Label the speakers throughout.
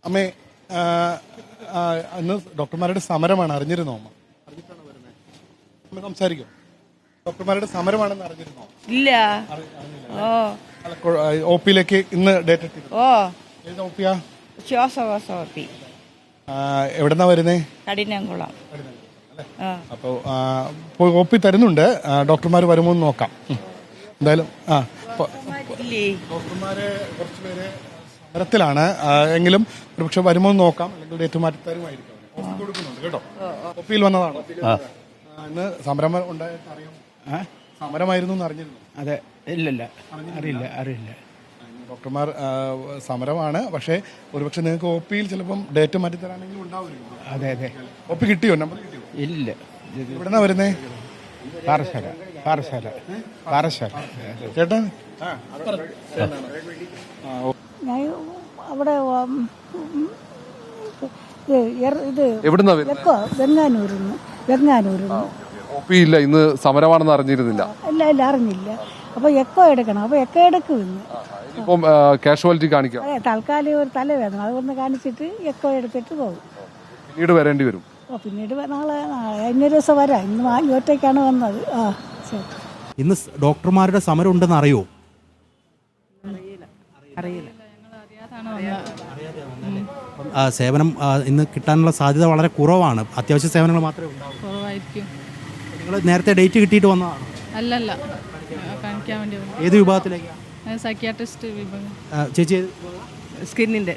Speaker 1: അമ്മേ, ഇന്ന് ഡോക്ടർമാരുടെ സമരമാണ്, അറിഞ്ഞിരുന്നോ അമ്മ? അറിഞ്ഞിട്ടാണ് വരുന്നത്. അമ്മ സംസാരിക്കും. ഡോക്ടർമാരുടെ സമരമാണെന്ന് അറിഞ്ഞിരുന്നോ?
Speaker 2: ഇല്ല.
Speaker 1: ഒ പിയിലേക്ക് ഇന്ന് ഡേറ്റ് ഇട്ടിരുന്നു. ഏത് ഒ പിയാ?
Speaker 2: ശ്വാസകോശ ഒ പി.
Speaker 1: എവിടെന്നാ വരുന്നേ?
Speaker 2: കഠിനംകുളം.
Speaker 1: അപ്പോൾ ഒ പി തരുന്നുണ്ട്. ഡോക്ടർമാർ വരുമോ എന്ന് നോക്കാം. എന്തായാലും ഡോക്ടർമാരെ കുറച്ചുപേര് സമരത്തിലാണ്. എങ്കിലും ഒരുപക്ഷെ വരുമോ എന്ന് നോക്കാം. അല്ലെങ്കിൽ ഡേറ്റ് മാറ്റി തരുമായിരിക്കും. കൊടുക്കുന്നുണ്ട് കേട്ടോ. ഒ പിയിൽ വന്നതാണ്. ഇന്ന് സമരം ഉണ്ടായിട്ട് അറിയാം. സമരമായിരുന്നു എന്ന് അറിഞ്ഞിരുന്നു?
Speaker 3: അതെ. ഇല്ലല്ല, അറിയില്ല.
Speaker 1: ഡോക്ടർമാർ സമരമാണ്. പക്ഷേ ഒരുപക്ഷെ നിങ്ങൾക്ക് ഒ പിയിൽ ചിലപ്പം ഡേറ്റ് മാറ്റി തരാനെങ്കിലും ഉണ്ടാവുമല്ലോ.
Speaker 3: അതെ.
Speaker 1: ഒ പി കിട്ടിയോ? നമ്പർ കിട്ടിയോ?
Speaker 3: ഇല്ല.
Speaker 1: എവിടെന്നാ വരുന്നേ?
Speaker 3: പാറശാല.
Speaker 1: ചേട്ടാ,
Speaker 4: അവിടെ വെങ്ങാനൂരിന്ന്.
Speaker 5: ഒ പി ഇല്ല, ഇന്ന് സമരമാണെന്ന് അറിഞ്ഞിരുന്നില്ല.
Speaker 4: ഇല്ല, അറിഞ്ഞില്ല. അപ്പൊ എക്കോ എടുക്കണം. അപ്പൊ എക്കോ എടുക്കും ഇന്ന്.
Speaker 5: ഇപ്പം കാഷ്വാലിറ്റി കാണിക്കാം.
Speaker 4: അതെ, തൽക്കാലം ഒരു തലവേദന, അതൊന്ന് കാണിച്ചിട്ട് എക്കോ എടുത്തിട്ട് പോകും.
Speaker 5: പിന്നീട് വരേണ്ടി വരും.
Speaker 4: പിന്നീട് നാളെ ഇന്നൊരു ദിവസം വരാം. ഇന്ന് ഒറ്റയ്ക്കാണ് വന്നത്. ശരി.
Speaker 6: ഇന്ന് ഡോക്ടർമാരുടെ സമരം ഉണ്ടെന്ന് അറിയുമോ?
Speaker 2: അറിയില്ല.
Speaker 6: സേവനം ഇന്ന് കിട്ടാനുള്ള സാധ്യത വളരെ കുറവാണ്. അത്യാവശ്യ സേവനങ്ങൾ മാത്രമേ ഉണ്ടാവൂ.
Speaker 2: കുറവായിരിക്കും.
Speaker 6: നിങ്ങൾ നേരത്തെ ഡേറ്റ് കിട്ടിയിട്ട് വന്നതാണ്?
Speaker 2: അല്ലല്ല, കാണിക്കാൻ വേണ്ടി.
Speaker 6: ഏത് വിഭാഗത്തിലേക്കാണ്?
Speaker 2: സൈക്യാട്രിസ്റ്റ് വിഭാഗം.
Speaker 6: ചേച്ചി
Speaker 2: സ്കിന്നിന്റെ.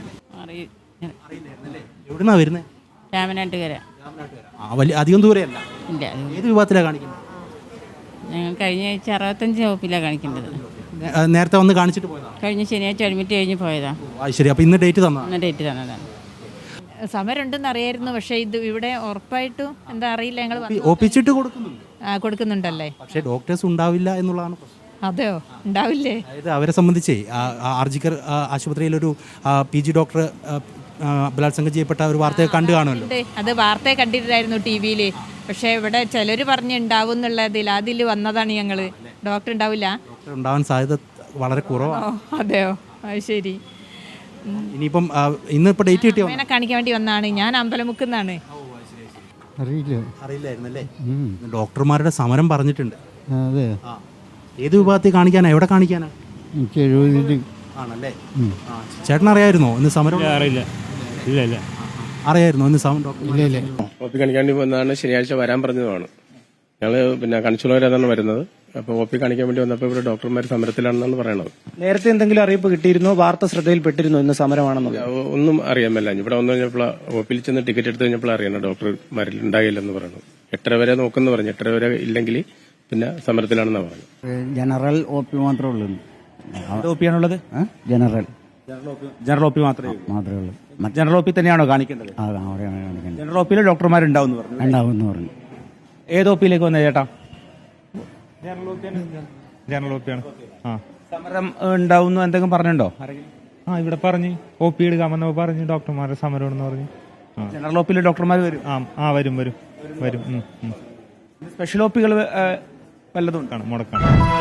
Speaker 6: എവിടുന്നാ വരുന്നത്?
Speaker 2: രാമനാട്ടുകര.
Speaker 6: വലിയ അധികം ദൂരെയല്ല.
Speaker 2: ഇല്ല.
Speaker 6: ഏത് വിഭാഗത്തിലാണ് കാണിക്കുന്നത്?
Speaker 2: ഞങ്ങൾ കഴിഞ്ഞ ആഴ്ച 65 വകുപ്പിലാണ് കാണിക്കേണ്ടത്.
Speaker 6: നേരത്തെ വന്ന് കാണിച്ചിട്ട് പോയതാണ്?
Speaker 2: കഴിഞ്ഞ ശനിയാഴ്ച അഡ്മിറ്റ് കഴിഞ്ഞ് പോയതാ.
Speaker 6: ശരി. അപ്പോൾ ഇന്ന് ഡേറ്റ് തന്നതാണ്?
Speaker 2: ഇന്ന് ഡേറ്റ് തന്നതാണ്. സമരമുണ്ടെന്ന് അറിയായിരുന്നു. പക്ഷേ ഇത് ഇവിടെ ഉറപ്പായിട്ടും എന്താ അറിയില്ല. ഞങ്ങൾ
Speaker 6: ഒപ്പിച്ചിട്ട്
Speaker 2: കൊടുക്കുന്നുണ്ടല്ലേ.
Speaker 6: പക്ഷേ ഡോക്ടേഴ്സ് ഉണ്ടാവില്ല എന്നുള്ളതാണ് പ്രശ്നം.
Speaker 2: അതെയോ? ഉണ്ടാവില്ലേ?
Speaker 6: അതായത് അവരെ സംബന്ധിച്ച് ആർജിക്കർ ആശുപത്രിയിലൊരു PG ഡോക്ടർ ബലാത്സംഗം ചെയ്യപ്പെട്ട ഒരു വാർത്തയെ കണ്ടു കാണുമല്ലോ.
Speaker 2: അത് വാർത്തയെ കണ്ടിട്ടായിരുന്നു TV-യിൽ. പക്ഷേ ഇവിടെ ചിലർ പറഞ്ഞുണ്ടാവും എന്നുള്ളതിൽ അതിൽ വന്നതാണ് ഞങ്ങൾ. ഡോക്ടർ ഉണ്ടാവില്ല.
Speaker 6: ഡോക്ടർ ഉണ്ടാവാൻ സാധ്യത വളരെ കുറവാണ്.
Speaker 2: അതെയോ? അത് ശരി.
Speaker 6: ഇനിയിപ്പം ഇന്നിപ്പോൾ ഡേറ്റ് കിട്ടിയോ?
Speaker 2: അങ്ങനെ കാണിക്കാൻ വേണ്ടി വന്നാണ്. ഞാൻ അമ്പലമുക്കുന്നാണ്.
Speaker 6: അറിയില്ലായിരുന്നല്ലേ? ഡോക്ടർമാരുടെ സമരം പറഞ്ഞിട്ടുണ്ട്.
Speaker 3: അതെ.
Speaker 6: ഏത് വിഭാഗത്തിൽ കാണിക്കാനാ? എവിടെ കാണിക്കാനാ? ആണല്ലേ? ചേട്ടൻ അറിയായിരുന്നോ ഇന്ന് സമരം?
Speaker 7: അറിയില്ല.
Speaker 6: അറിയായിരുന്നോ ഇന്ന് സമരം?
Speaker 7: ഇല്ല.
Speaker 8: ഒ പി കാണിക്കാൻ വേണ്ടി വന്നതാണ്. ശനിയാഴ്ച വരാൻ പറഞ്ഞതുമാണ്. ഞങ്ങൾ കണിച്ചുള്ളവരാണ് വരുന്നത്. അപ്പോൾ ഒ പി കാണിക്കാൻ വേണ്ടി വന്നപ്പോൾ ഇവിടെ ഡോക്ടർമാർ സമരത്തിലാണെന്നാണ് പറയണത്.
Speaker 3: നേരത്തെ എന്തെങ്കിലും അറിയിപ്പ് കിട്ടിയിരുന്നോ? വാർത്ത ശ്രദ്ധയിൽപ്പെട്ടിരുന്നോ ഇന്ന് സമരമാണെന്ന്?
Speaker 8: ഒന്നും അറിയാൻ മേല. ഇവിടെ വന്നു കഴിഞ്ഞപ്പോൾ ഒ പിയിൽ ചെന്ന് ടിക്കറ്റ് എടുത്ത് കഴിഞ്ഞപ്പോൾ അറിയണം ഡോക്ടർമാരിൽ ഉണ്ടാകില്ലെന്ന് പറയുന്നത്. 8:30 വരെ നോക്കുന്നു പറഞ്ഞു. 8:30 വരെ ഇല്ലെങ്കിൽ പിന്നെ സമരത്തിലാണെന്നാണ് പറഞ്ഞത്.
Speaker 3: ജനറൽ ഒ പി മാത്രമേ ഉള്ളൂ. ഒ പി ആണുള്ളത്? ജനറൽ ഒ പി മാത്രമേ ഉള്ളൂ. ജനറൽ ഒ പി തന്നെയാണോ കാണിക്കേണ്ടത്? ജനറൽ ഒ പിയിൽ ഡോക്ടർമാരുണ്ടാവും പറഞ്ഞു. ഏത് ഒ പിയിലേക്ക് വന്നേ ചേട്ടാ?
Speaker 7: ജനറൽ ഒ പി ആണ്.
Speaker 3: സമരം ഉണ്ടാവും എന്തെങ്കിലും പറഞ്ഞിട്ടുണ്ടോ?
Speaker 7: ഇവിടെ പറഞ്ഞു ഒ പി എടുക്കാമെന്ന് പറഞ്ഞു. ഡോക്ടർമാരുടെ സമരമാണെന്ന് പറഞ്ഞു.
Speaker 3: ജനറൽ ഒ പിയിൽ ഡോക്ടർമാർ വരും?
Speaker 7: വരും.
Speaker 3: സ്പെഷ്യൽ ഒ പികൾ വല്ലതും
Speaker 7: മുടക്കാണ്.